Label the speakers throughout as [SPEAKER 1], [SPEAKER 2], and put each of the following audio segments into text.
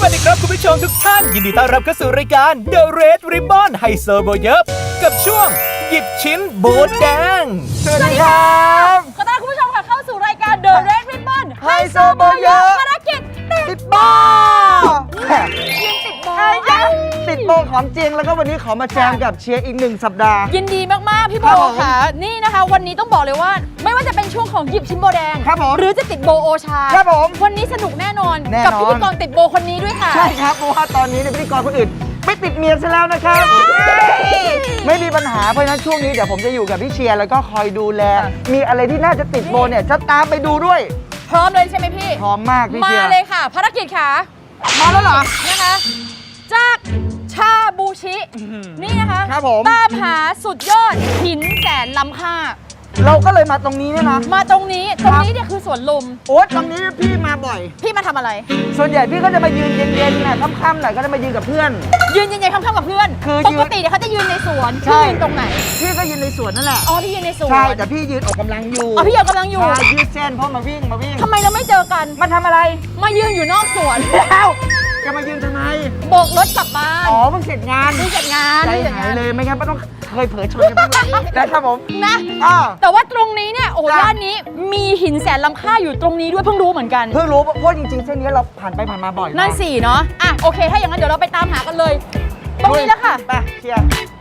[SPEAKER 1] วัสดีครับคุณผู้ชมทุกท่านยินดีต้อนรับเข้าสู่รายการ The Red Ribbon ไฮโซโบเยิบกับช่วงหยิบชิ้นโบนแดง
[SPEAKER 2] สวัสดีครับ
[SPEAKER 3] ขอต้อนรับคุณผู้ชมค่ะเข้าสู่รายการ The Red Ribbon
[SPEAKER 2] ไฮโซโบเยอะ
[SPEAKER 3] ภารกิจ
[SPEAKER 2] ติดโบ
[SPEAKER 3] ยืนติดโบ
[SPEAKER 2] ติดโบของจริงแล้วก็วันนี้ขอมาแจมกับเชียร์อีก1 สัปดาห์
[SPEAKER 3] ยินดีมากๆพี่โบ
[SPEAKER 2] ครับผม
[SPEAKER 3] ค่ะนี่นะคะวันนี้ต้องบอกเลยว่า ไม่ว่าจะเป็นช่วงของหยิบชิ้นโบแดง
[SPEAKER 2] ครับผม
[SPEAKER 3] หรือจะติดโบโอชา
[SPEAKER 2] ครับผม
[SPEAKER 3] วันนี้สนุกแน่นอน
[SPEAKER 2] แน่นอน
[SPEAKER 3] กับพิธีกรติดโบคนนี้ด้วยค่ะ
[SPEAKER 2] ใช่ครับเพราะว่าตอนนี้ในพิธีกรคนอื่นไม่ติดเมียซะแล้วนะครับไม่มีปัญหาเพราะฉะนั้นช่วงนี้เดี๋ยวผมจะอยู่กับพี่เชียร์แล้วก็คอยดูแล มีอะไรที่น่าจะติดโบเนี่ยจะตามไปดูด้วย
[SPEAKER 3] พร้อมเลยใช่ไหมพี่
[SPEAKER 2] พร้อมมากพี่
[SPEAKER 3] มา
[SPEAKER 2] เชียร์
[SPEAKER 3] เลยค่ะ ภารกิจค่ะ
[SPEAKER 2] มาแล้วเหรอ
[SPEAKER 3] นะคะจากชาบูชินี่นะคะ
[SPEAKER 2] ครับผม
[SPEAKER 3] ตามหาสุดยอดหินแสนล้ำค่า
[SPEAKER 2] เราก็เลยมาตรงนี้เนี่ยนะ
[SPEAKER 3] มาตรงนี้เนี่ยคือสวนลม
[SPEAKER 2] โอ๊ยตรงนี้พี่มาบ่อย
[SPEAKER 3] พี่มาทำอะไร
[SPEAKER 2] ส่วนใหญ่พี่ก็จะมายืนเย็นๆนะค่ำๆหน่อยก็จะมายืนกับเพื่อน
[SPEAKER 3] ยืนเย็นๆค่ำๆกับเพื่อน
[SPEAKER 2] คือ
[SPEAKER 3] ป
[SPEAKER 2] ยืน
[SPEAKER 3] กติเนี่ยเขาจะยืนในสวน
[SPEAKER 2] ใช่
[SPEAKER 3] พี่ยืนตรงไหน
[SPEAKER 2] พี่ก็ยืนในสวนนั่นแหละ
[SPEAKER 3] อ๋อพี่ยืนในสวน
[SPEAKER 2] ใช่แต่พี่ยืนออกกำลังอยู่
[SPEAKER 3] อ๋อพี่ยืนกำลังอยู่
[SPEAKER 2] ใช่ยืดเส้นเพราะมาวิ่ง
[SPEAKER 3] ทำไมเราไม่เจอกัน
[SPEAKER 2] มาทำอะไร
[SPEAKER 3] มายืนอยู่นอกสวน
[SPEAKER 2] แล้วจะมายืนทำไม
[SPEAKER 3] โบกรถกลับบ้าน
[SPEAKER 2] อ๋อเพิ่งเสร็จงาน
[SPEAKER 3] นี่เสร็จงาน
[SPEAKER 2] ใจ
[SPEAKER 3] นี่เสร็จาย น
[SPEAKER 2] หางเลยไม่งั้นไม่ต้องเคยเผลอชนกันบ้างเลยนะครับผม
[SPEAKER 3] นะ
[SPEAKER 2] อ้อ
[SPEAKER 3] แต่ว่าตรงนี้เนี่ยโอ้
[SPEAKER 2] จ้ะ
[SPEAKER 3] ย่านนี้มีหินแสนล้ำค่าอยู่ตรงนี้ด้วยเพิ่งรู้เหมือนกัน
[SPEAKER 2] เพิ่งรู้เพราะจริงๆเส้นนี้เราผ่านไปผ่านมาบ่อย
[SPEAKER 3] นั่นสิเนาะอ่ะโอเค ถ้าอย่างนั้นเดี๋ยวเราไปตามหากันเลย ตรงนี้แล้วค่ะ
[SPEAKER 2] ไปเชียร์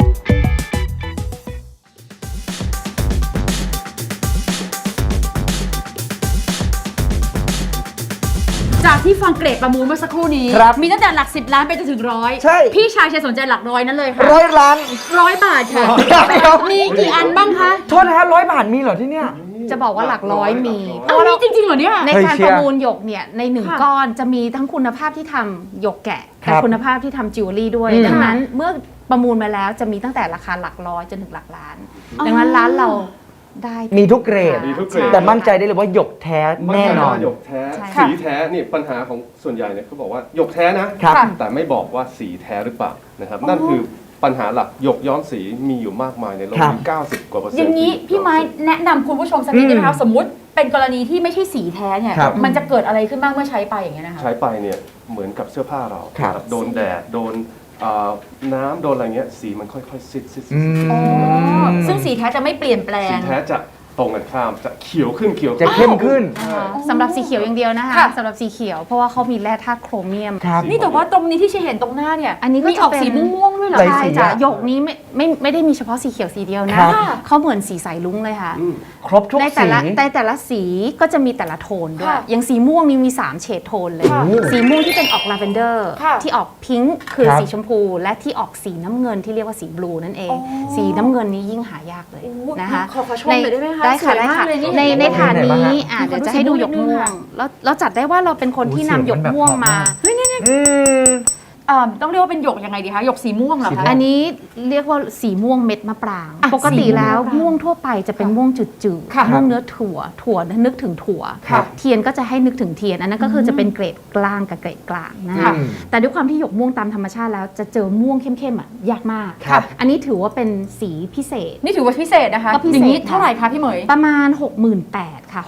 [SPEAKER 3] จากที่ฟังเกรดประมูลเมื่อสักครู่นี้ มีตั้งแต่หลัก10 ล้านไปจนถึงร้อย
[SPEAKER 2] ใช่
[SPEAKER 3] พี่ชายสนใจหลักร้อยนั้นเลยค่ะ
[SPEAKER 2] 100 ล้าน
[SPEAKER 3] 100 บาทค่ะ มีกี่อันบ้างคะ
[SPEAKER 2] โทษนะฮะ100 บาทมีเหรอที่เนี่ย
[SPEAKER 4] จะบอกว่าหลักร้อยมี
[SPEAKER 3] เอามีจริงๆเหรอเนี่ย
[SPEAKER 4] ใน
[SPEAKER 2] เฮ้ย
[SPEAKER 4] การ
[SPEAKER 2] เชี
[SPEAKER 4] ป
[SPEAKER 2] ยร์
[SPEAKER 4] ระมูลหยกเนี่ยในหนึ่ง
[SPEAKER 3] ค่ะ
[SPEAKER 4] ก้อนจะมีทั้งคุณภาพที่ทำหยกแกะ
[SPEAKER 2] ครั
[SPEAKER 4] และ
[SPEAKER 2] บ
[SPEAKER 4] คุณภาพที่ทำจิวเวลรี่ด้วย
[SPEAKER 2] อืม
[SPEAKER 4] ดังนั้นเมื่อประมูลมาแล้วจะมีตั้งแต่ราคาหลักร้อยจนถึงหลักล้าน ดังนั้นร้านเราได้
[SPEAKER 2] มีทุกเกรด
[SPEAKER 5] มีทุกเกรด
[SPEAKER 2] แต่มั่นใจได้เลยว่าหยกแท้แน่นอน
[SPEAKER 5] หยกแท้
[SPEAKER 4] ใช่
[SPEAKER 5] สีแท้นี่ปัญหาของส่วนใหญ่เนี่ยเขาบอกว่าหยกแท้นะครับ แต่ไม่บอกว่าสีแท้หรือเปล่านะครับนั่นคือปัญหาหลักหยกย้อมสีมีอยู่มากมายในโลก
[SPEAKER 2] ครับ
[SPEAKER 5] มี90 กว่าเปอร์เซ็นต์
[SPEAKER 3] อย่างนี้
[SPEAKER 5] ที่
[SPEAKER 3] พี่ไม้แนะนำคุณผู้ชมสักนิดได้ไหมคะสมมุติเป็นกรณีที่ไม่ใช่สีแท้เนี่ย
[SPEAKER 2] ครับ
[SPEAKER 3] มันจะเกิดอะไรขึ้นบ้างเมื่อใช้ไปอย่างเงี้ยนะคะ
[SPEAKER 5] ใช้ไปเนี่ยเหมือนกับเสื้อผ้าเรา
[SPEAKER 2] ครับ
[SPEAKER 5] โดนแดดโดนน้ำโดนอะไรเงี้ยสีมันค่อยๆซิด
[SPEAKER 2] อืม
[SPEAKER 3] อ๋อซึ่งสีแท้จะไม่เปลี่ยนแปล
[SPEAKER 5] สี
[SPEAKER 3] ง
[SPEAKER 5] แท้จะตรงกันข้ามจะเขียวขึ้น
[SPEAKER 2] จะเข้มขึ้น
[SPEAKER 4] นะคะสำหรับสีเขียวอย่างเดียวนะคะ
[SPEAKER 3] ค่ะ
[SPEAKER 4] สำหรับสีเขียวเพราะว่าเขามีแร่ธาตุโครเมียม
[SPEAKER 2] ครับ
[SPEAKER 3] นี่แต่ว่าตรงนี้ที่ฉันเห็นตรงหน้าเนี่ย
[SPEAKER 4] อันนี้ก็
[SPEAKER 3] มีออก
[SPEAKER 4] จะเป็น
[SPEAKER 3] สีม่วงๆด้วยเหรอ
[SPEAKER 2] หลาย
[SPEAKER 3] คะ
[SPEAKER 4] ใช่
[SPEAKER 2] สี
[SPEAKER 4] จ้ะ
[SPEAKER 2] อะ
[SPEAKER 4] หยกนี้ไม่ได้มีเฉพาะสีเขียวสีเดียวนะครับ เขาเหมือนสีสายลุ้งเลยค่ะ
[SPEAKER 2] ครบทุก
[SPEAKER 4] ในแต่
[SPEAKER 2] สี
[SPEAKER 4] ละสีก็จะมีแต่ละโทนด้วย
[SPEAKER 3] ค่ะ
[SPEAKER 4] อย่างสีม่วงนี่มี 3 เฉดโทนเลย
[SPEAKER 3] ค่ะ
[SPEAKER 4] สีม่วงที่เป็นออกลาเวนเดอร์
[SPEAKER 3] ค่ะ
[SPEAKER 4] ที่ออกพิงค์คือ
[SPEAKER 2] ครับ
[SPEAKER 4] สีชมพู และที่ออกสีน้ำเงินที่เรียกว่าสีบลูนั่นเอง
[SPEAKER 3] อ๋อ
[SPEAKER 4] สีน้ำเงินนี้ยิ่งหายากเลย
[SPEAKER 3] โอ้
[SPEAKER 4] นะคะ
[SPEAKER 3] ขอชมหน่อยได้ไหมคะ
[SPEAKER 4] ได้ค่ะ
[SPEAKER 3] สวย
[SPEAKER 4] ได้
[SPEAKER 3] มาก
[SPEAKER 4] ค่ะ
[SPEAKER 3] เลยนี่
[SPEAKER 4] ในฐาน
[SPEAKER 2] ไหนบ้าง
[SPEAKER 4] นี้
[SPEAKER 2] ฮะ
[SPEAKER 4] เดี๋ยวจะให้ดูหยกม่วงแล้วเราจัดได้ว่าเราเป็นคนที่นำหยกม่วงมา
[SPEAKER 2] อืม
[SPEAKER 3] ต้องเรียกว่าเป็นหยกยังไงดีคะหยกสีม่วงเหรอคะ
[SPEAKER 4] อันนี้เรียกว่าสีม่วงเม็ดมะปราง
[SPEAKER 3] อ่ะ
[SPEAKER 4] ปกติแล้ว
[SPEAKER 3] สีม่วงมะปราง
[SPEAKER 4] ม่วงทั่วไปจะเป็นม่วงจืด
[SPEAKER 3] ค่ะ
[SPEAKER 4] ๆม่วงเนื้อถั่วนึกถึงถั่ว
[SPEAKER 2] ครับ
[SPEAKER 4] เทียนก็จะให้นึกถึงเทียน อันนั้นก็คือจะเป็นเกรดกลางกับเกรดกลางนะคะ
[SPEAKER 2] อืม
[SPEAKER 4] แต่ด้วยความที่หยกม่วงตามธรรมชาติแล้วจะเจอม่วงเข้มๆอ่ะยากมาก
[SPEAKER 2] ครับ
[SPEAKER 4] อันนี้ถือว่าเป็นสีพิเศษ
[SPEAKER 3] นี่ถือว่าพิเศษนะคะ
[SPEAKER 4] ก็พิเศษ
[SPEAKER 3] อย่างนี้เท่าไหร่คะพี่เหมย
[SPEAKER 4] ประมาณ 68,000ค่ะ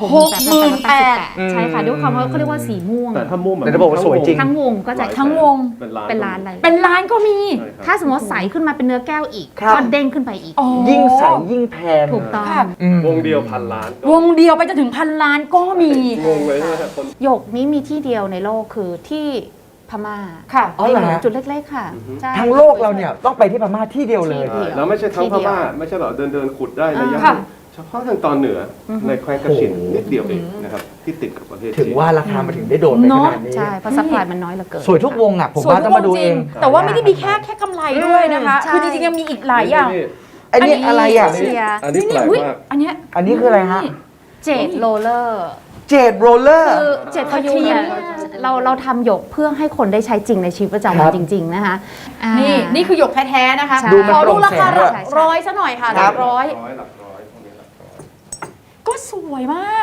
[SPEAKER 3] 68,000
[SPEAKER 4] ใช่ค่ะด้วยความว่าเขาเรียกว่าสีม่วง
[SPEAKER 5] แต่ถ้าม่วงแบบ
[SPEAKER 2] แต่จะบอกว่าสวยจริง
[SPEAKER 4] ทั้งวงก็จะ
[SPEAKER 3] ทั้งวง
[SPEAKER 5] เป็นล้าน
[SPEAKER 4] เป็นล้านเลย
[SPEAKER 3] เป็นล้านก็มี
[SPEAKER 5] ใช่ครับ
[SPEAKER 4] ถ้าสมมติใสขึ้นมาเป็นเนื้อแก้วอีก
[SPEAKER 2] ครับ
[SPEAKER 4] ก็เด้งขึ้นไปอีก
[SPEAKER 3] อ๋อ
[SPEAKER 2] ยิ่งใสยิ่งแพง
[SPEAKER 4] ถูกต้อง
[SPEAKER 3] ค่ะ
[SPEAKER 2] อืม
[SPEAKER 5] วงเดียวพันล้าน
[SPEAKER 3] วงเดียวไปจนถึงพันล้านก็มี
[SPEAKER 5] งงเลยนะครับคน
[SPEAKER 4] หยกนี้มีที่เดียวในโลกคือที่พม่า
[SPEAKER 3] ค่ะ
[SPEAKER 2] อ๋อเหรอฮะ
[SPEAKER 4] จุดเล็กๆค่ะใช่
[SPEAKER 2] ทั้งโลกเราเนี่ยต้องไปที่พม่าที่เดียวเลย
[SPEAKER 4] ที่เดียว
[SPEAKER 5] แล้วไม่ใช่ทั้ง
[SPEAKER 4] ที่
[SPEAKER 5] พ
[SPEAKER 4] เดียว
[SPEAKER 5] ม่าไม่ใช่แบบเดินขุดได้ระยะ
[SPEAKER 3] ค่ะ
[SPEAKER 5] เฉพาะทางตอนเหนืออในแคว้นกระชินนิดเดียวเองนะครับที่ติดกับประเทศ
[SPEAKER 2] ถึง
[SPEAKER 5] จีน
[SPEAKER 2] ว่าราคามันถึงได้โดดไปขนาดนี้
[SPEAKER 4] ใช่เพราะซัพพลายมันน้อยเหลือเกิน
[SPEAKER 2] สวยทุกวงอ่ะผม
[SPEAKER 3] สวย
[SPEAKER 2] ว่า
[SPEAKER 3] ทุ
[SPEAKER 2] ต้
[SPEAKER 3] ก
[SPEAKER 2] อง
[SPEAKER 3] ว
[SPEAKER 2] มาง ดู
[SPEAKER 3] จ
[SPEAKER 2] เอ
[SPEAKER 3] ริง
[SPEAKER 2] ง
[SPEAKER 3] แต่ว่าไม่ได้มีแค่กำไรด้วยนะคะ
[SPEAKER 4] ใช่
[SPEAKER 3] คือจริงๆยังมีอีกหลายอย่าง
[SPEAKER 2] อันนี้อะไรอ่ะ
[SPEAKER 4] เชียร์
[SPEAKER 5] อันนี้แปลก
[SPEAKER 3] อุ๊ย
[SPEAKER 5] มาก
[SPEAKER 3] อันเนี้ย
[SPEAKER 2] อันนี้คืออะไรฮะ
[SPEAKER 4] เจดโรลเลอร์
[SPEAKER 2] เจดโรลเลอร์
[SPEAKER 4] คือเจดพยูนเนี่ยเราทำหยกเพื่อให้คนได้ใช้จริงในชีวิตประจำ
[SPEAKER 2] ครั
[SPEAKER 4] วัน
[SPEAKER 2] บ
[SPEAKER 4] จริง ๆ นะคะอ่า
[SPEAKER 3] นี่คือหยกแท้ๆนะคะ
[SPEAKER 4] ใช่
[SPEAKER 2] ดูมัน
[SPEAKER 3] ขอดูราคา
[SPEAKER 2] โปร่งแสงด้วย
[SPEAKER 3] หลักร้อยซะหน่อยค่ะห
[SPEAKER 2] ครั
[SPEAKER 3] ลั
[SPEAKER 2] บ
[SPEAKER 3] กร้อย
[SPEAKER 5] หลักร้อยพวกนี้หลักร้อย
[SPEAKER 3] ก็สวยมาก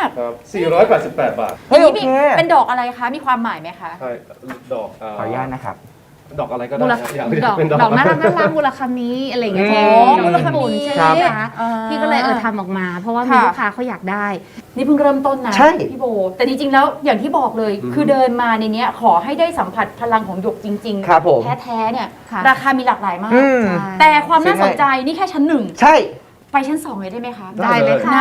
[SPEAKER 5] ครับ488 บาท
[SPEAKER 2] เฮ้ย
[SPEAKER 3] อั
[SPEAKER 2] โอน
[SPEAKER 3] นี้
[SPEAKER 2] เค
[SPEAKER 3] เป็นดอกอะไรคะ มีความหมายไหมคะ
[SPEAKER 5] ใช่ดอก
[SPEAKER 2] ขออนุญาตนะครับ
[SPEAKER 5] ดอกอะไรก็
[SPEAKER 4] มู
[SPEAKER 5] ได้
[SPEAKER 4] ล
[SPEAKER 5] ครับอยาก
[SPEAKER 4] ดอก
[SPEAKER 5] เป็น
[SPEAKER 4] ดอกน่ารักมูลคามิอะไรอย่างเงี้ย
[SPEAKER 3] มูลคามิ
[SPEAKER 4] ใช่
[SPEAKER 2] ครับ
[SPEAKER 4] ไหมคะพี่ก็เลยทำออกมา เพราะว่ามีลูกค้าเขาอยากได้
[SPEAKER 3] นี่เพิ่งเริ่มต้นนะ
[SPEAKER 2] ใช่
[SPEAKER 3] พี่โบ แต่จริงๆแล้วอย่างที่บอกเลย คือเดินมาในเนี้ยขอให้ได้สัมผัสพลังของหยกจริง
[SPEAKER 2] ครับผม
[SPEAKER 3] แท้ๆเนี่ย
[SPEAKER 4] ค่ะ
[SPEAKER 3] ราคามีหลากหลายมาก
[SPEAKER 2] อืม
[SPEAKER 3] แต่ความน่าสนใจนี่แค่ชั้น
[SPEAKER 2] ใช่
[SPEAKER 3] 1 ไปชั้น 2 เลยได้ไหมคะ
[SPEAKER 4] ได้เลยค่ะ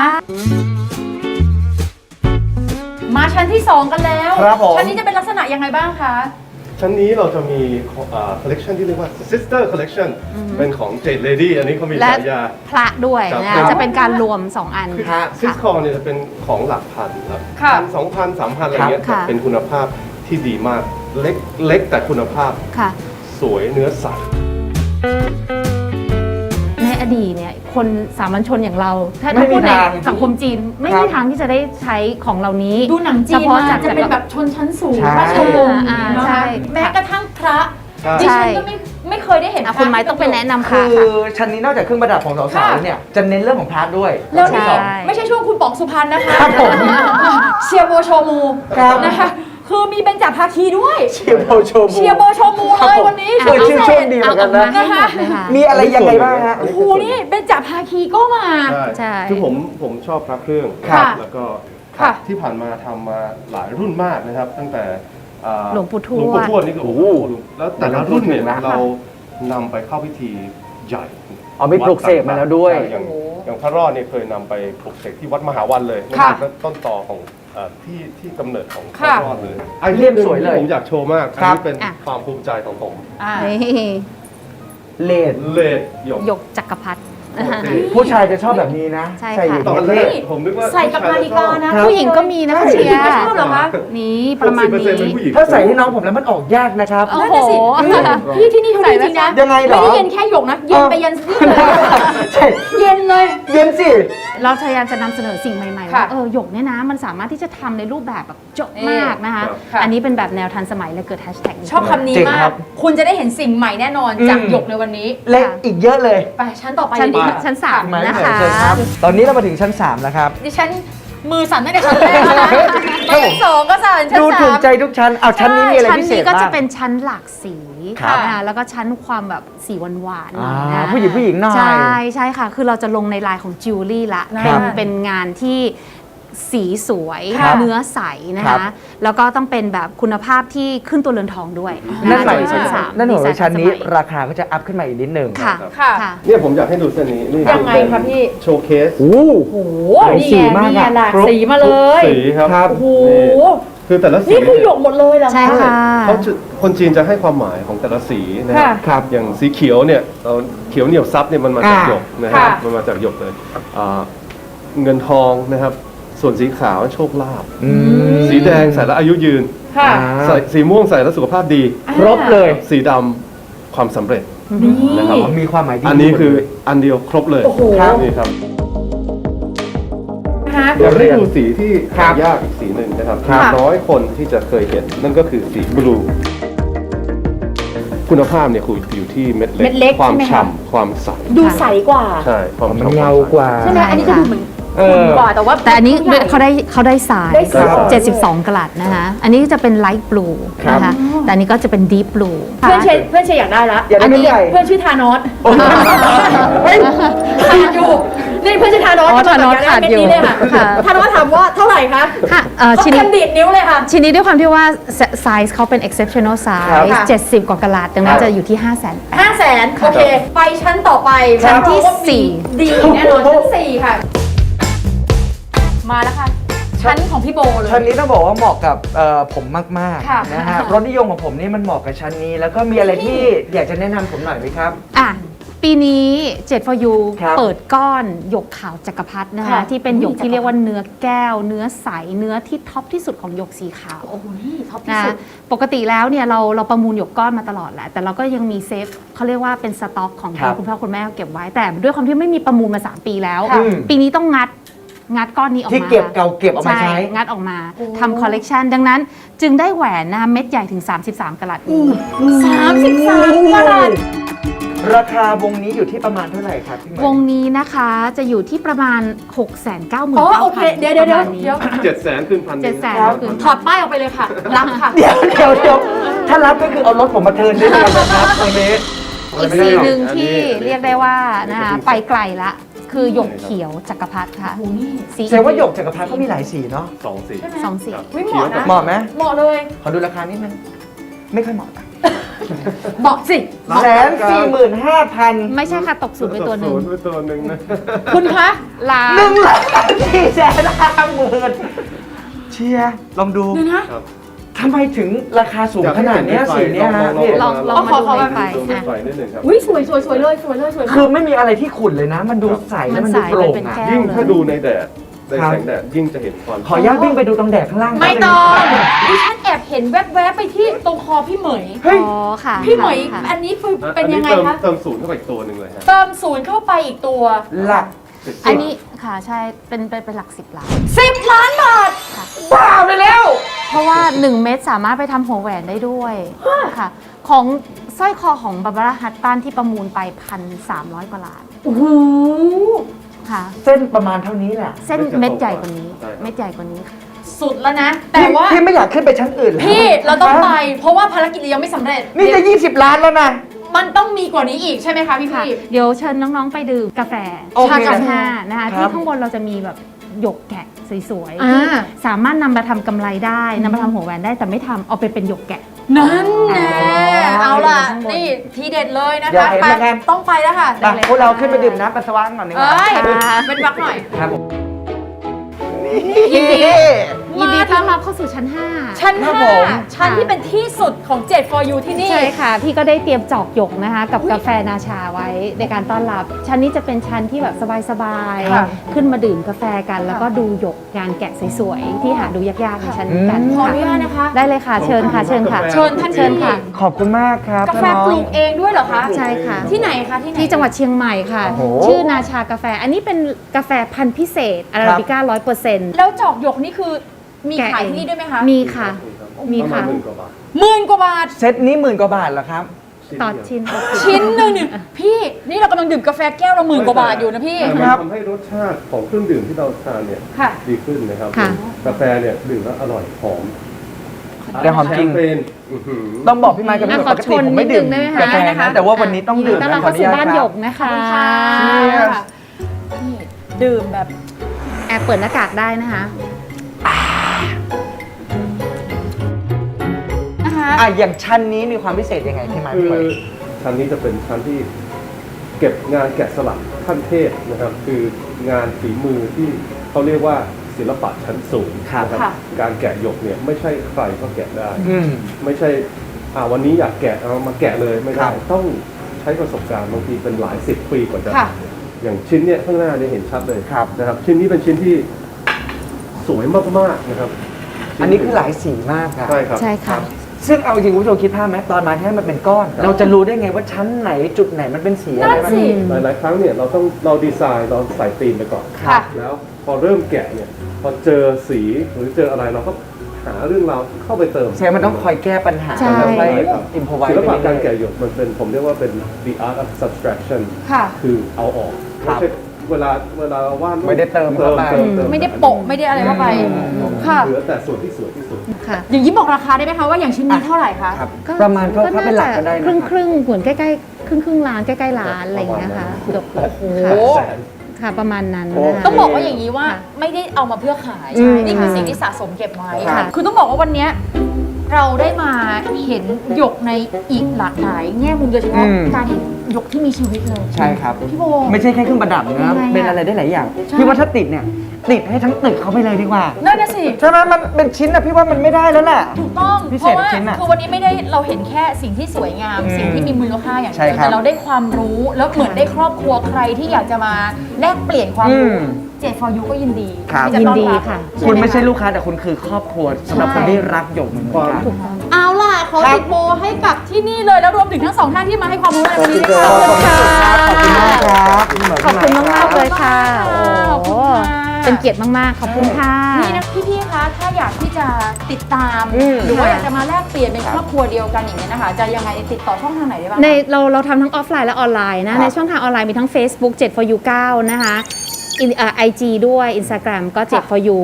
[SPEAKER 3] มาชั้นที่ 2 กันแล้ว
[SPEAKER 2] ครับผม
[SPEAKER 3] ชั้นนี้จะเป็นลักษณะยังไงบ้างคะ
[SPEAKER 5] ชั้นนี้เราจะมีcollection ที่เรียกว่า sister collection เป็นของ Jade Lady อันนี้เขามี
[SPEAKER 4] และ
[SPEAKER 5] ฉายา
[SPEAKER 4] พระด้วย
[SPEAKER 5] ครั
[SPEAKER 4] นะ
[SPEAKER 5] บ
[SPEAKER 4] จะเป็นการรวม 2 อัน
[SPEAKER 5] คือ
[SPEAKER 4] ค่ะ
[SPEAKER 5] ซิสคอเนี่ยจะเป็นของหลักพันครับ
[SPEAKER 3] ค่ะ
[SPEAKER 5] 1,000 2,000 3,000 อะไรเงี้ย
[SPEAKER 4] ค่ะ
[SPEAKER 5] เป็นคุณภาพที่ดีมาก เล็กแต่คุณภาพ
[SPEAKER 4] ค่ะ
[SPEAKER 5] สวยเนื้อใส
[SPEAKER 4] ในอดีตเนี่ยคนสามัญชนอย่างเรา ถ้า
[SPEAKER 2] ไม่มี
[SPEAKER 4] พูดใน
[SPEAKER 2] ทาง
[SPEAKER 4] สังคมจีนไม่
[SPEAKER 2] ครับ
[SPEAKER 4] มีทางที่จะได้ใช้ของเหล่านี้
[SPEAKER 3] ดูหนังจีน
[SPEAKER 4] เฉพาะ
[SPEAKER 3] มา
[SPEAKER 4] จาก
[SPEAKER 3] จะเป็นแบบชนชั้นสูง
[SPEAKER 2] ใช่
[SPEAKER 3] ราชวงศ์
[SPEAKER 4] อ่า
[SPEAKER 3] นะ
[SPEAKER 4] ใช่
[SPEAKER 3] คะแม้กระทั่งพระ
[SPEAKER 5] ใช่
[SPEAKER 3] ดิฉันก็ไม่เคยได้เห็น
[SPEAKER 4] อ่ะ
[SPEAKER 3] พระ
[SPEAKER 4] คุณไม้ต้องไปแนะนำ
[SPEAKER 2] คื
[SPEAKER 4] ค่ะ
[SPEAKER 2] อชั้นนี้นอกจากเครื่องประดับของสาวๆเนี่ยจะเน้นเรื่องของพาร์ทด้วย
[SPEAKER 3] แล้ว
[SPEAKER 2] ที่
[SPEAKER 3] นี่
[SPEAKER 2] สอง
[SPEAKER 3] ไม่ใช่ช่วงคุณป๋องสุพรรณนะคะ
[SPEAKER 2] ครับผม
[SPEAKER 3] เชียร์โบโชมู
[SPEAKER 2] ครับ
[SPEAKER 3] นะคะคือมีเบญจภาคีด้วย
[SPEAKER 2] เชียร์โบโชมู
[SPEAKER 3] เชียร์โบโชมู
[SPEAKER 2] ครับ
[SPEAKER 3] เลย
[SPEAKER 2] ผม
[SPEAKER 3] วันนี้
[SPEAKER 2] เออชื่อช่วงดีเหมือนกันนะ
[SPEAKER 4] เอาออกมาให้หมดเลยค่ะ
[SPEAKER 2] มีอะไรยังไงบ้างฮะ
[SPEAKER 3] โอ้โหนี่เบญจภาคีก็มา
[SPEAKER 4] ใช่
[SPEAKER 5] คือผมชอบพระเครื่อง
[SPEAKER 3] ค่ะ
[SPEAKER 5] แล้วก็
[SPEAKER 3] ค่ะ
[SPEAKER 5] ที่ผ่านมาทำมาหลายรุ่นมากนะครับ ตั้งแต่า
[SPEAKER 4] หลวงปู่ทวด
[SPEAKER 5] หลวงปู่ทวดนี่ก็โอ้โหแล้วแต่ละรุ่นเนี่ยเรานำไปเข้าพิธีใหญ่
[SPEAKER 2] อ๋อมีปลุกเสกมาแล้วด้วย
[SPEAKER 5] ใช่อย่างพระรอดเนี่ยเคยนำไปปลุกเสกที่วัดมหาวันเลยนั่น
[SPEAKER 3] ค่ะ
[SPEAKER 5] คือต้นต่อของที่กำเนิดของพ
[SPEAKER 3] ค่ะ
[SPEAKER 5] ระรอดเลยไอ้
[SPEAKER 2] เรียบสวยเลย
[SPEAKER 5] ที่ผมอยากโชว์มากอัน
[SPEAKER 2] ครับ
[SPEAKER 5] นี้เป็น
[SPEAKER 4] อ่ะ
[SPEAKER 5] ความภูมิใจของผม
[SPEAKER 3] อ่า
[SPEAKER 4] นี่
[SPEAKER 2] เลด
[SPEAKER 5] เลดหยก
[SPEAKER 4] หยกจักรพรรดินะคะ
[SPEAKER 2] ผู้ชายจะชอบแบบนี้นะ
[SPEAKER 4] ใช่ค่ะ
[SPEAKER 2] อยู่
[SPEAKER 5] ตอน
[SPEAKER 2] ใน
[SPEAKER 5] แร
[SPEAKER 2] เท
[SPEAKER 5] ก
[SPEAKER 2] พ
[SPEAKER 5] ผมนึกว่า
[SPEAKER 3] ใส่กับนาฬิกานะ
[SPEAKER 2] ครับ
[SPEAKER 4] ผู้หญิงก็มีนะคุณเชียร์
[SPEAKER 3] ไม่ชอบเหรอคะ
[SPEAKER 4] นี่ประมาณนี้
[SPEAKER 5] 60%เป็นผู้หญิง
[SPEAKER 2] ถ้าใส่ให้น้องผมแล้วมันออกยากนะครับ
[SPEAKER 4] โอ้
[SPEAKER 3] นั่น
[SPEAKER 4] โห
[SPEAKER 3] น่ะสิพี่ที่นี่เขาดีจริงนะ
[SPEAKER 2] ยังไงเหรอ
[SPEAKER 3] ไม่ได้เย็นแค่หยกนะ เย็นไปยันซี่เลย
[SPEAKER 2] ใช่
[SPEAKER 3] เย็นเลย
[SPEAKER 2] เย็นสิ
[SPEAKER 4] เราพยายามจะนำเสนอสิ่งใหม่ๆ
[SPEAKER 3] ค่ะ
[SPEAKER 4] ว่าหยกเนี่ยนะมันสามารถที่จะทำในรูปแบบแบบเจาะมากนะคะ
[SPEAKER 3] ค่ะ
[SPEAKER 4] อันนี้เป็นแบบแนวทันสมัยเลยเกิดแฮชแท็กนี้
[SPEAKER 3] ชอบคำนี้
[SPEAKER 2] จริง
[SPEAKER 3] มา
[SPEAKER 2] ครั
[SPEAKER 3] ก
[SPEAKER 2] บ
[SPEAKER 3] คุณจะได้เห็นสิ่งใหม่แน่นอนจากหยกในวันนี้
[SPEAKER 2] เล็กอีกเยอะเลย
[SPEAKER 3] ไปชั้นต่อไป
[SPEAKER 4] ชั้น
[SPEAKER 3] เลยดีกว่า
[SPEAKER 4] ชั้นสาม
[SPEAKER 2] ไหม
[SPEAKER 4] นะคะ
[SPEAKER 2] เชิญครับตอนนี้เรามาถึงชั้น 3 แล้วครับ
[SPEAKER 3] ดิฉันมือสั่นตั้งแต่ชั้นแรกแล้วนะชั้นสองก็สั่นชั้น
[SPEAKER 2] ดู
[SPEAKER 3] สา
[SPEAKER 2] ถูก
[SPEAKER 3] ม
[SPEAKER 2] ใจทุกชั้น เอาชั้นนี้มีอะไร
[SPEAKER 4] ชั้น
[SPEAKER 2] พิเศ
[SPEAKER 4] นี้
[SPEAKER 2] ษ
[SPEAKER 4] ก็
[SPEAKER 2] บ้า
[SPEAKER 4] จะ
[SPEAKER 2] ง
[SPEAKER 4] เป็นชั้นหลากสี
[SPEAKER 2] ครับ
[SPEAKER 4] แล้วก็ชั้นความแบบสีหวานๆหน่อย
[SPEAKER 2] อ่า
[SPEAKER 4] นะ
[SPEAKER 2] ผู้หญิงหน่อย
[SPEAKER 4] ใช่ค่ะ คือเราจะลงในลายของจิวเวลรี่ละ
[SPEAKER 2] ครับ
[SPEAKER 4] เป็นงานที่สีสวย
[SPEAKER 2] ครับ
[SPEAKER 4] เนื้อใสนะ
[SPEAKER 2] ครั
[SPEAKER 4] คะ
[SPEAKER 2] บ
[SPEAKER 4] แล้วก็ต้องเป็นแบบคุณภาพที่ขึ้นตัวเรือนทองด้วย
[SPEAKER 2] นั่นหมาย
[SPEAKER 4] จะเป็ชั้นสาม
[SPEAKER 2] นั่นหมายว่าชั้นนี้
[SPEAKER 4] ดีไซน์ทัสมัย
[SPEAKER 2] ราคาก็จะอัพขึ้นมาอีกนิดหนึ่ง
[SPEAKER 4] ค่ะ
[SPEAKER 3] ค่ะ
[SPEAKER 4] ค่ะ
[SPEAKER 5] เนี่ยผมอยากให้ดูเส้นนี้นี่
[SPEAKER 3] ยังไงคะพี่
[SPEAKER 5] โชว์เคส
[SPEAKER 2] โอ้
[SPEAKER 3] โอ้โห
[SPEAKER 2] หลายสีมาก
[SPEAKER 3] นี่ไง
[SPEAKER 2] อะ
[SPEAKER 3] หลากสีมาเลย
[SPEAKER 5] สีครับ
[SPEAKER 2] ครับ
[SPEAKER 3] โอ้โห
[SPEAKER 5] นี่คือแต่ละสี
[SPEAKER 3] นี่คือหยกหมดเลยเหรอ
[SPEAKER 4] ใช่ค่ะ
[SPEAKER 5] เขาจะคนจีนจะให้ความหมายของแต่ละสีนะค
[SPEAKER 3] ค่ะ
[SPEAKER 5] รับ
[SPEAKER 2] ครับ
[SPEAKER 5] อย่างสีเขียวเนี่ยเขียวเหนียวซับเนี่ยมันมาจากหยกนะครับ
[SPEAKER 3] ค่ะ
[SPEAKER 5] มันมาจากหยกเลยเงินทองนะครับ ส่วนสีขาวโชคลาภ
[SPEAKER 2] อืม
[SPEAKER 5] สีแดงใส่แล้วอายุยืน
[SPEAKER 3] ค่ะ
[SPEAKER 5] ใส่สีม่วงใส่แล้วสุขภาพดี
[SPEAKER 2] ครบเลย
[SPEAKER 5] สีดำความสำเร็จ
[SPEAKER 3] นี่
[SPEAKER 5] นะครับ
[SPEAKER 2] มีความหมายดี
[SPEAKER 5] อันนี้คืออันเดียวครบเลย
[SPEAKER 3] โอ้โห
[SPEAKER 5] นี่ครับ
[SPEAKER 3] นะคะ
[SPEAKER 5] อยากให้ดูสีที่
[SPEAKER 2] ครั
[SPEAKER 5] หา
[SPEAKER 2] บ
[SPEAKER 5] ยากอีกสีหนึ่งนะครับ
[SPEAKER 3] ครับ
[SPEAKER 5] น้อยคนที่จะเคยเห็น นั่นก็คือสีบลูคุณภาพเนี่ยคืออยู่ที่เม็ด
[SPEAKER 3] เม็ดเล็ก
[SPEAKER 5] ความ
[SPEAKER 3] ใช่ไหมคะ
[SPEAKER 5] ฉ่ำความใส
[SPEAKER 3] ดูใสกว่า
[SPEAKER 5] ใช่ความ
[SPEAKER 2] มัน
[SPEAKER 5] ฉ่ำ
[SPEAKER 2] เงากว่า
[SPEAKER 3] ใช่ไหมอันนี้จะดูเหมือน
[SPEAKER 2] เออ
[SPEAKER 3] ขุ่นกว่าแต่ว่า
[SPEAKER 4] แต่อันนี้
[SPEAKER 3] ใหญ่
[SPEAKER 4] เขาได้สาย
[SPEAKER 3] ได้สาย
[SPEAKER 4] 72 กรัตนะคะ อันนี้จะเป็นไลท์บลู
[SPEAKER 2] ครับ
[SPEAKER 4] นะคะ แต่อันนี้ก็จะเป็นดี p บลู
[SPEAKER 3] เพื่อนเชยอยากได้ละ
[SPEAKER 2] อยากได้เม็ดใหญ่
[SPEAKER 3] เพื่อนชื่อธานอส
[SPEAKER 2] เฮ้ย
[SPEAKER 3] ขาดอยู่นี่เพื่อนชื่อธานอส
[SPEAKER 4] อ๋อธานอสขาดอยู่
[SPEAKER 3] เม็นี้เลยค่ะ
[SPEAKER 4] ค่ะ
[SPEAKER 3] ธานอสถามว่าเท่าไหร่คะ
[SPEAKER 4] ค่ะ
[SPEAKER 3] เขา
[SPEAKER 4] ชิ้น
[SPEAKER 3] เตรี
[SPEAKER 4] นี้
[SPEAKER 3] ยมดีดนิ้วเลยค่ะ
[SPEAKER 4] ชิ้นนี้ด้วยความที่ว่าไซส์เขาเป็น exceptional
[SPEAKER 2] ครั
[SPEAKER 4] size
[SPEAKER 2] บ
[SPEAKER 4] 70 กว่ากะรัตดังนั้นจะอยู่ที่ 500,000
[SPEAKER 3] 500,000โอเค ไปชั้นต่อไป
[SPEAKER 4] ชั้นที่
[SPEAKER 3] รับรองว่ามี
[SPEAKER 4] สี่
[SPEAKER 3] ดีแน่นอนชั้น4ค่ะ มาแล้วค่ะ ชั้นของพี่โบเลย
[SPEAKER 2] ชั้นนี้ต้องบอกว่าเหมาะกับผมมาก
[SPEAKER 3] ค่ะ
[SPEAKER 2] ๆนะฮะรสนิยมของผมนี่มันเหมาะกับชั้นนี้ แล้วก็มีอะไรที่อยากจะแนะนำผมหน่อยไหมครับ
[SPEAKER 4] อ่ะ ปีนี้7 for you
[SPEAKER 2] ครับ
[SPEAKER 4] เปิดก้อนหยกขาวจักรพรรดินะคะ
[SPEAKER 3] ค่ะ
[SPEAKER 4] ที่เป็นหยกที่เรียกว่าเนื้อแก้ว เนื้อใส เนื้อที่ท็อปที่สุดของหยกสีขาว
[SPEAKER 3] โอ้โหนี่ท็อปที่
[SPEAKER 4] นะ
[SPEAKER 3] สุด
[SPEAKER 4] ปกติแล้วเนี่ยเราประมูลหยกก้อนมาตลอดแหละแต่เราก็ยังมีเซฟเขาเรียกว่าเป็นสต็อกของ
[SPEAKER 2] ครับ
[SPEAKER 4] คุณพ่อคุณแม่เก็บไว้ แต่ด้วยความที่ไม่มีประมูลมา 3 ปีแล้ว
[SPEAKER 2] ค่ะ
[SPEAKER 4] ปีนี้ต้องงัดก้อนนี้ออกมา
[SPEAKER 2] ที่เก็บเก่าเก็บเอามาใช้
[SPEAKER 4] งัดออกมาทำคอลเลกชันดังนั้นจึงได้แหวนนะคะเม็ดใหญ่ถึง 33 กะรัต
[SPEAKER 3] 33กะรัต
[SPEAKER 2] ราคาวงนี้อยู่ที่ประมาณเท่าไหร่ครับพี่ใหม่
[SPEAKER 4] วงนี้นะคะจะอยู่ที่ประมาณ 699,000
[SPEAKER 3] อ๋อโอเคเดี๋ยว
[SPEAKER 4] ประมาณนี้
[SPEAKER 5] 700,000ขึ้น1,000
[SPEAKER 4] 700,000
[SPEAKER 2] ครับ
[SPEAKER 4] คือ
[SPEAKER 3] ถอดป้ายออกไปเลยค่ะ รับค่ะ
[SPEAKER 2] เดี๋ยวถ้ารับก็คือเอารถผมมาเทิร์นได้เลยนะครับตรงนี้
[SPEAKER 4] อีกสีหนึ่งที่เรียกได้ว่านะคะไปไกลละคือหยกเขียวจักรพรรดิค่ะสี
[SPEAKER 2] แสดงว่าหยกจักรพรรดิก็มีหลายสีเนาะ
[SPEAKER 5] 2 สี
[SPEAKER 4] สองสี
[SPEAKER 3] วิเหมาะนะ
[SPEAKER 2] เหมาะไหม
[SPEAKER 3] เหมาะเลย
[SPEAKER 2] ขอดูราคานิดนึงไม่ค่อยเหมาะ
[SPEAKER 3] เหมาะสิ
[SPEAKER 2] 145,000
[SPEAKER 4] ไม่ใช่ค่ะตกศูนย์ไปตัวหนึ่ง
[SPEAKER 5] ไปตัวหนึ่งนะ
[SPEAKER 3] คุณคะ
[SPEAKER 4] ล้าน
[SPEAKER 2] 1,450,000เชียร์ลองดู
[SPEAKER 3] เดี๋ยวนะ
[SPEAKER 2] ทำไมถึงราคาสูงขนาดเนี้ยสีเนี้ยฮะพี่
[SPEAKER 4] ลองมาดูในไฟ
[SPEAKER 5] ดูใน
[SPEAKER 4] อ่ะ
[SPEAKER 5] ไฟนิดหนึ่งครับ
[SPEAKER 3] อุ้ยสวยเลยสวยเลย
[SPEAKER 2] คือไม่มีอะไรที่ขุ่นเลยนะ มันดูใสและมันดูโปร่ง
[SPEAKER 4] มันใสมันเป็น
[SPEAKER 2] อ่ะ
[SPEAKER 4] แก้ว
[SPEAKER 5] ยิ่งถ้าดูในแดดใน
[SPEAKER 2] ครับ
[SPEAKER 5] แสงแดดยิ่งจะเห็นความ
[SPEAKER 2] ขออนุญาตวิ่งไปดูตรงแดดข้างล่าง
[SPEAKER 3] ไม่ต้องดิฉันแอบเห็นแวบๆไปที่ตรงคอพี่เหมย
[SPEAKER 2] เฮ้ย
[SPEAKER 4] อ๋อค่ะ
[SPEAKER 3] พี่เหมย
[SPEAKER 4] ค่ะ
[SPEAKER 3] อันนี้คือเป็นยังไงคะ
[SPEAKER 5] เติมศูนย์เข้าไปอีกตัวหนึ่งเลยฮะ
[SPEAKER 3] เติมศูนย์เข้าไปอีกตัว
[SPEAKER 2] หลัก
[SPEAKER 4] อันนี้ค่ะใช่เป็นหลัก10 ล้าน
[SPEAKER 3] 10 ล้านบาท
[SPEAKER 2] บ้าไปแล้ว
[SPEAKER 4] เพราะว่า 1 เม็ดสามารถไปทำหัวแหวนได้ด้วยค่ะ ของสร้อยคอของบาบาร่าฮัตตันที่ประมูลไป 1,300 กว่าล้าน
[SPEAKER 3] โอ้โห
[SPEAKER 4] ค่ะ
[SPEAKER 2] เส้นประมาณเท่านี้แหละ
[SPEAKER 4] เส้นเม็ดใหญ่กว่านี้ เม็ดใหญ่กว่านี้ค่ะ
[SPEAKER 3] สุดแล้วนะ แต่ว่า
[SPEAKER 2] พี่ไม่อยากขึ้นไปชั้นอื่นแล้ว
[SPEAKER 3] พี่เราต้องไป เพราะว่าภารกิจเรายังไม่สำเร็จ
[SPEAKER 2] นี่จะ20 ล้านแล้วนะ
[SPEAKER 3] มันต้องมีกว่านี้อีกใช่ไหมคะพี่
[SPEAKER 4] ค่ะ
[SPEAKER 3] พี่
[SPEAKER 4] เดี๋ยวเชิญน้อง ๆ ไปดื่มกาแฟ
[SPEAKER 2] โอเค
[SPEAKER 4] ชากาแฟนะคะ
[SPEAKER 2] ครับ
[SPEAKER 4] ที่ข้างบนเราจะมีแบบหยกแกะสวย
[SPEAKER 3] อ่า
[SPEAKER 4] ๆที่สามารถนำมาทำกำไรได้นำมาทำหัวแหวนได้แต่ไม่ทำเอาไปเป็นหยกแกะ
[SPEAKER 3] นั่นแน่เอาล่ะ
[SPEAKER 4] ข้างบน
[SPEAKER 3] นี่ทีเด็ดเลยนะ
[SPEAKER 2] อยา
[SPEAKER 3] คะ
[SPEAKER 2] กเห็น
[SPEAKER 3] ไป
[SPEAKER 2] เหมือนกัน
[SPEAKER 3] ต้องไปแล้วค่ะ
[SPEAKER 2] ไปพวกเราขึ้นไปดื่มน้ำปัสสาวะกันก่อนดีกว่า
[SPEAKER 3] เอ้ยเป็นวักหน่อย
[SPEAKER 2] ครับผม
[SPEAKER 3] ยินดี
[SPEAKER 4] ยินดีต้อนรับเข้าสู่ชั้น 5
[SPEAKER 3] ชั้น
[SPEAKER 2] ครับ
[SPEAKER 3] ห้า
[SPEAKER 2] ผม
[SPEAKER 3] ชั้นที่เป็นที่สุดของ7 for you ที่นี่
[SPEAKER 4] ใช่ค่ะ พี่ก็ได้เตรียมจอกหยกนะคะ กับกาแฟนาชาไว้ในการต้อนรับ ชั้นนี้จะเป็นชั้นที่แบบสบาย
[SPEAKER 3] ค่ะ
[SPEAKER 4] ๆ ขึ้นมาดื่มกาแฟกัน แล้วก็ดูหยกงานแกะสวยๆ ที่หาดูยากๆในชั้นนี้กัน
[SPEAKER 3] ขออ
[SPEAKER 4] ค่ะ
[SPEAKER 3] นุญาตนะคะ
[SPEAKER 4] ได้เลยค่ะ เชิญค่ะ เชิญค่ะ
[SPEAKER 3] เชิญท่าน
[SPEAKER 4] เชิญค่ะ
[SPEAKER 2] ขอบคุณมากครับ
[SPEAKER 3] กาแฟ
[SPEAKER 2] น้อง
[SPEAKER 3] ปลูกเองด้วยเหรอคะ
[SPEAKER 4] ใช่ค่ะ
[SPEAKER 3] ที่ไหนคะที่ไหน
[SPEAKER 4] ที่จังหวัดเชียงใหม่ค่ะ
[SPEAKER 2] โอ้โห
[SPEAKER 4] ชื่อนาชากาแฟ อันนี้เป็นกาแฟพันธุ์พิเศษอาราบิก้า100%
[SPEAKER 3] แล้วจอกหยกนี่คือมีขายที่นี่ด้วยไหมคะ
[SPEAKER 4] มีค่ะ มีค่ะ
[SPEAKER 5] ประาณ10,000 กว่าบาท
[SPEAKER 3] 10,000 กว่าบาท
[SPEAKER 2] เซตนี้10,000 กว่าบาทเหรอครับ
[SPEAKER 4] ต่อชิ้น
[SPEAKER 3] ชิ้นหนึ่งเนี่ยพี่นี่เรากำลังดื่มกาแฟแก้วละ10,000 กว่าบาทอยู่นะพี่
[SPEAKER 5] แต่
[SPEAKER 2] ค
[SPEAKER 5] มัน
[SPEAKER 2] รับ
[SPEAKER 5] ทำให้รสชาติของเครื่องดื่มที่เราทานเนี่ย
[SPEAKER 3] ค่ะ
[SPEAKER 5] ดีขึ้นนะครับ
[SPEAKER 4] ค่ะ
[SPEAKER 5] กาแฟเนี่ยดื่มแล้วอร่อยหอม
[SPEAKER 2] แต่หอมจริง
[SPEAKER 5] แชเปญอื้อหือ
[SPEAKER 2] ต้องบอกพี่ไมค์กับพี่หม
[SPEAKER 4] ขอ
[SPEAKER 2] ปกติผมไม่ดื่ม
[SPEAKER 4] ชนนิดนึงได้ไหมคะ
[SPEAKER 2] กาแฟนะแต่ว่าวันนี้ต้องดื่ม
[SPEAKER 4] ต้อน
[SPEAKER 2] นะ
[SPEAKER 4] รับ
[SPEAKER 2] ขอ
[SPEAKER 4] เข้า
[SPEAKER 2] อนุ
[SPEAKER 4] สู่
[SPEAKER 2] ญาต
[SPEAKER 4] บ้าน
[SPEAKER 2] ค
[SPEAKER 4] หย
[SPEAKER 2] รับ
[SPEAKER 4] กนะคะ
[SPEAKER 2] Cheers
[SPEAKER 3] นี่ดื่มแบบ
[SPEAKER 4] แอบเปิดหน้ากากได้นะคะ
[SPEAKER 3] นะคะ
[SPEAKER 2] อ่ะอย่างชั้นนี้มีความพิเศษยังไงพี่ไมค์
[SPEAKER 5] คื
[SPEAKER 2] พี่
[SPEAKER 5] อ
[SPEAKER 2] ไมค์
[SPEAKER 5] ชั้นนี้จะเป็นชั้นที่เก็บงานแกะสลักขั้นเทพนะครับ คืองานฝีมือที่เขาเรียกว่าศิลปะชั้นสูงนะครับ
[SPEAKER 3] ค่ะ
[SPEAKER 5] การแกะหยกเนี่ยไม่ใช่ใครก็แกะได้
[SPEAKER 2] อืม
[SPEAKER 5] ไม่ใช่วันนี้อยากแกะเอามาแกะเลยไม่
[SPEAKER 2] ครั
[SPEAKER 5] ได้
[SPEAKER 2] บ
[SPEAKER 5] ต้องใช้ประสบการณ์บางทีเป็นหลาย10 ปีกว่าจะ
[SPEAKER 3] ค่ะ
[SPEAKER 5] อย่างชิ้นเนี่ยข้างหน้าเนี่ยเห็นชัดเลย
[SPEAKER 2] ครับ
[SPEAKER 5] นะครับ ชิ้นนี้เป็นชิ้นที่สวยมากๆนะครับ
[SPEAKER 2] อันนี้คือหลายสีมากครับ
[SPEAKER 5] ใช่ครับ
[SPEAKER 4] ใช่ค่ะ
[SPEAKER 2] ซึ่งเอาจริงคุณผู้ชมคิดภาพไหมตอนมาให้มันเป็นก้อน เราจะรู้ได้ไงว่าชั้นไหนจุดไหนมันเป็นสีอะไร
[SPEAKER 3] นั่น
[SPEAKER 2] บ้าง
[SPEAKER 3] สิ
[SPEAKER 5] หลายๆครั้งเนี่ยเราดีไซน์เราใส่ธีมไปก่อน
[SPEAKER 3] ค่ะ
[SPEAKER 5] แล้วพอเริ่มแกะเนี่ยพอเจอสีหรือเจออะไรเราก็หาเรื่องราวเข้าไปเติม
[SPEAKER 2] แสดงมันต้องคอยแก้ปัญหา
[SPEAKER 4] ใช่
[SPEAKER 2] แล้วค่อย
[SPEAKER 5] ครับ
[SPEAKER 2] อิมพอไว้
[SPEAKER 5] ศิลปะ
[SPEAKER 2] ไป
[SPEAKER 5] การ
[SPEAKER 2] เรื่
[SPEAKER 5] แกะ
[SPEAKER 2] อย
[SPEAKER 5] หยกมันเป็นผมเรียกว่าเป็น the art of subtraction
[SPEAKER 3] ค่ะ
[SPEAKER 5] คือเอาออก
[SPEAKER 2] ครับ
[SPEAKER 5] ไม่ใช่เวลาวาดรูป
[SPEAKER 2] ไม่ได้เติมเข้าไป
[SPEAKER 5] เติม
[SPEAKER 3] ไม่ได้โปะไม่ได้อะไรเข้าไป ค่ะ
[SPEAKER 5] เหลือแต่ส่วนที่สวยที่สุด
[SPEAKER 4] ค่ะ
[SPEAKER 3] อย่างนี้บอกราคาได้ไหมคะว่าอย่างชิ้นนี้เท่าไหร่คะ
[SPEAKER 2] ๆครับ ประมาณก็ถ้าเป็นหลักก็ได้นะ
[SPEAKER 4] ครึ่ง
[SPEAKER 2] ค
[SPEAKER 4] ครับ รึ่งๆเหมือนใกล้ๆครึ่งล้านใกล้ๆล้านอะไรอย่างเงี้ยค่ะหยก
[SPEAKER 3] โอ้โห
[SPEAKER 5] แสน
[SPEAKER 4] ค่ะประมาณนั้น
[SPEAKER 2] โอ้
[SPEAKER 4] นะคะ
[SPEAKER 3] ต้องบอกว่าอย่างนี้ว่า
[SPEAKER 4] ค่ะ
[SPEAKER 3] ไม่ได้เอามาเพื่อขาย
[SPEAKER 2] อืม
[SPEAKER 3] นี่คือสิ่งที่สะสมเก็บไว้
[SPEAKER 2] ค่ะ
[SPEAKER 3] คือต้องบอกว่าวันเนี้ยเราได้มาเห็นหยกในอีกหลากหลายแง่มุมโดยเฉพาะการเห็นหยกที่มีชีวิตเลย
[SPEAKER 2] ใช่ครับ
[SPEAKER 3] พี่โบ
[SPEAKER 2] ไม่ใช่แค่เครื่องประดับนะครับ
[SPEAKER 3] ยังไงอะ
[SPEAKER 2] เป็นอะไรได้หลายอย่าง
[SPEAKER 3] ใช่
[SPEAKER 2] พี่ว่าถ้าติดเนี่ยติดให้ทั้งตึกเขาไปเลยดีกว่า
[SPEAKER 3] นั่นน่ะสิ
[SPEAKER 2] ใช่ไหมมันเป็นชิ้นนะพี่ว่ามันไม่ได้แล้วน่ะ
[SPEAKER 3] ถูกต้อง
[SPEAKER 2] พิ
[SPEAKER 3] เพ
[SPEAKER 2] เศษ
[SPEAKER 3] ราะว่า
[SPEAKER 2] ชิ้นอะ
[SPEAKER 3] คือวันนี้ไม่ได้เราเห็นแค่สิ่งที่สวยงาม สิ่งที่มีมูลค่าอย่าง
[SPEAKER 2] ใช่
[SPEAKER 3] เดียว
[SPEAKER 2] ครับ
[SPEAKER 3] แต่เราได้ความรู้แล้วเหมือนได้ครอบครัวใครที่อยากจะมาแลกเปลี่ยนความรู้
[SPEAKER 2] อืม
[SPEAKER 3] เจฟอร์ยูก็ยินดี
[SPEAKER 2] ครับ
[SPEAKER 3] ที่จะต้อนรับ
[SPEAKER 4] ยินดีค่ะ
[SPEAKER 2] คุณไม่
[SPEAKER 3] ห
[SPEAKER 2] ใช่ลูกค้าแต่คุณคือครอบครัวสำหรับคนที่รักหยกเหมือนกัน
[SPEAKER 3] เอาล่ะ ขอ
[SPEAKER 2] ครับ
[SPEAKER 3] ติดโบให้กับที่นี่เลยแล้วรวมถึงทั้งสองท่านที่มาให้ความรู้ใน
[SPEAKER 2] ขอบ
[SPEAKER 3] วัน
[SPEAKER 2] คุ
[SPEAKER 3] นี้
[SPEAKER 2] ณ
[SPEAKER 3] ด้วย
[SPEAKER 2] ครับ
[SPEAKER 3] ขอบคุณ
[SPEAKER 2] ขอบ
[SPEAKER 3] มาก
[SPEAKER 2] คุณมากครับ
[SPEAKER 4] ขอบคุณมากๆเลยค่ะ
[SPEAKER 3] ขอบคุณ
[SPEAKER 4] โอ้
[SPEAKER 3] ค่ะ
[SPEAKER 4] เป็นเกียรติมากๆ ขอบคุณค่ะ
[SPEAKER 3] นี่นะพี่ๆ คะ ถ้าอยากที่จะติดตาม
[SPEAKER 2] อืม
[SPEAKER 3] หรือว่าอยากจะมาแลกเปลี่ยนเป็นครอบครัวเดียวกันอย่างนี้ยนะคะ จะยังไงติดต่อช่องทางไหนได้บ้าง
[SPEAKER 4] ในเราทำทั้งออฟไลน์และออนไลน์นะ
[SPEAKER 2] ครับ
[SPEAKER 4] ในช่องทางออนไลน์มีทั้ง Facebook 7 for you 9นะคะIG ด้วย Instagram ก็7 for you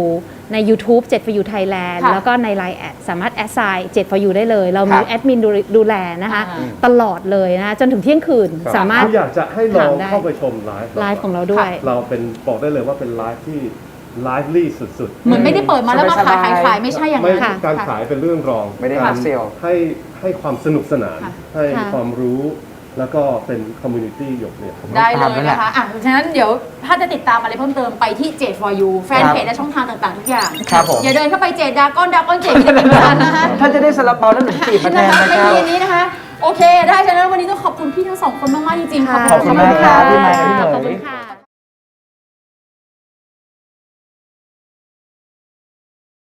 [SPEAKER 6] ใน YouTube 7 for you Thailand
[SPEAKER 3] ค่ะ
[SPEAKER 6] แล้วก็ใน Line แอดสามารถแอดไซน์7 for you ได้เลย เรามี
[SPEAKER 2] ครับ
[SPEAKER 6] แอดมินดูแลนะคะ ตลอดเลยนะคะจนถึงเที่ยงคืน
[SPEAKER 5] ครับ
[SPEAKER 6] สามารถ
[SPEAKER 5] ถ้อยากจะให้ลอง
[SPEAKER 6] ถามได้
[SPEAKER 5] เข้าไปชมไลฟ์
[SPEAKER 6] ไลฟ์ของเราด้วย
[SPEAKER 5] เราเป็นบอกได้เลยว่าเป็นไลฟ์ที่ไลฟ์ลี่สุดๆ
[SPEAKER 3] เหมือนไม่ได้เปิดมาแล้วมาขายขายไม่ใช่อย่าง
[SPEAKER 5] ไม่
[SPEAKER 3] นั้น
[SPEAKER 6] ค่ะ
[SPEAKER 5] การขายเป็นเรื่องรอง
[SPEAKER 2] ไม่ได้
[SPEAKER 5] ก
[SPEAKER 2] hard sell
[SPEAKER 5] ให้ความสนุกสนาน
[SPEAKER 3] ค่ะ
[SPEAKER 5] ให้
[SPEAKER 6] ค่ะ
[SPEAKER 5] ความรู้แล้วก็เป็นคอมมูนิตี้หยกเนี่ย
[SPEAKER 3] ได้เล
[SPEAKER 2] ตาม
[SPEAKER 3] ย
[SPEAKER 2] นั่นแหละ
[SPEAKER 3] นะคะฉะนั้นเดี๋ยวถ้าจะติดตามอะไรเพิ่มเติมไปที่เจด for you แฟนเพจและช่องทางต่างๆ ทุกอย่าง
[SPEAKER 2] ครับผม
[SPEAKER 3] อย่าเดินเข้าไปเจดดากอนเจดจะเป็นกันนะคะ
[SPEAKER 2] ถ้าจะได้ซาลาเปาแล้วหนูจีบมาแทน
[SPEAKER 3] นะคะ
[SPEAKER 2] นะ
[SPEAKER 3] ใน
[SPEAKER 2] ครับ
[SPEAKER 3] ทีนี้นะคะ โอเค ได้ฉะนั้นวันนี้ต้องขอบคุณพี่ทั้งสองคนมากๆจริงๆ
[SPEAKER 6] ค่ะ
[SPEAKER 2] ขอบคุณมากครับพี่ใหม่พี่เหม
[SPEAKER 6] ขอบคุณ
[SPEAKER 2] ย
[SPEAKER 6] ค่ะ